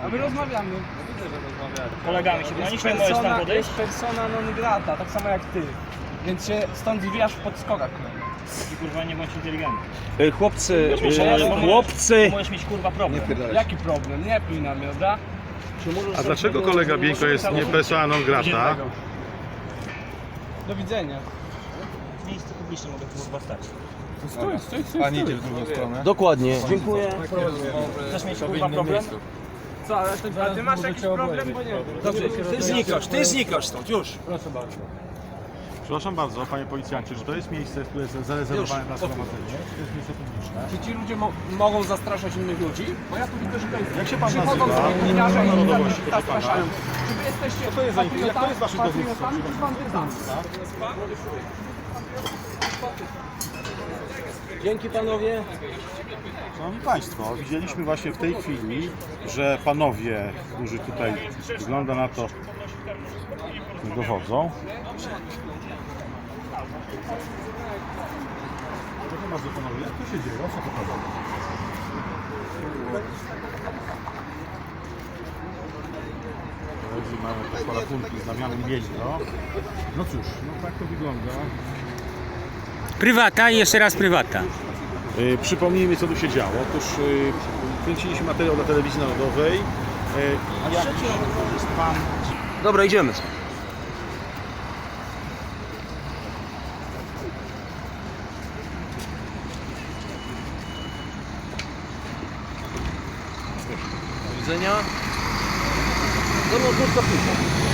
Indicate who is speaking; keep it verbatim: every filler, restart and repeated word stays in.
Speaker 1: A my rozmawiamy.
Speaker 2: Kolegami się bronicie, możesz tam
Speaker 1: Persona,
Speaker 2: podejść?
Speaker 1: jest persona non grata, tak samo jak ty. Więc się stąd zwijasz w podskokach.
Speaker 2: I kurwa nie bądź inteligentny.
Speaker 3: Y, Chłopcy,
Speaker 2: Możesz-
Speaker 3: y,
Speaker 2: możesz-
Speaker 3: chłopcy.
Speaker 2: Możesz mieć kurwa problem.
Speaker 1: Jaki problem? Nie pij na mnie, dobra?
Speaker 4: A dlaczego kolega Bieńko jest nie persona non grata?
Speaker 1: Do widzenia.
Speaker 2: W miejscu publicznym mogę kurwa stać.
Speaker 1: Stój, stój, stój.
Speaker 4: A nie idzie w drugą stronę?
Speaker 3: Dokładnie. Dziękuję.
Speaker 2: Chcesz mieć kurwa problem?
Speaker 1: Co, ale ty, a ty masz jakiś problem, bo nie wiem.
Speaker 3: Dobrze, ty znikasz, ty znikasz stąd, już.
Speaker 1: Proszę bardzo.
Speaker 4: Przepraszam bardzo, panie policjancie, czy to jest miejsce, które jest zarezerwowane na zgromadzenie? Czy to jest miejsce publiczne?
Speaker 1: Czy ci ludzie mo mogą zastraszać innych ludzi? Bo ja tu widzę, że to jest...
Speaker 4: Jak się pan
Speaker 1: Przychodzą
Speaker 4: nazywa?
Speaker 1: sobie gliniarze i
Speaker 4: Narodowości,
Speaker 1: tak
Speaker 4: proszę pana.
Speaker 1: zastraszają. Czy wy jesteście
Speaker 4: Co to jest za- jak to jest
Speaker 1: patriotami-
Speaker 4: wasze dowództwo,
Speaker 1: patriotami czy bandytami?
Speaker 3: Dzięki panowie.
Speaker 4: Szanowni Państwo, widzieliśmy właśnie w tej chwili, że panowie, którzy tutaj wygląda na to dochodzą. Proszę bardzo panowie, jak to się dzieje? O co to chodzi? Mamy te porachunki z Damianem Bielino. No cóż, no tak to wygląda.
Speaker 5: Prywata i jeszcze raz prywata.
Speaker 4: Yy, przypomnijmy, co tu się działo. Otóż yy, kręciliśmy materiał dla telewizji narodowej. Yy, jak jest pan...
Speaker 3: Dobra, idziemy. Do widzenia. Do lotniska.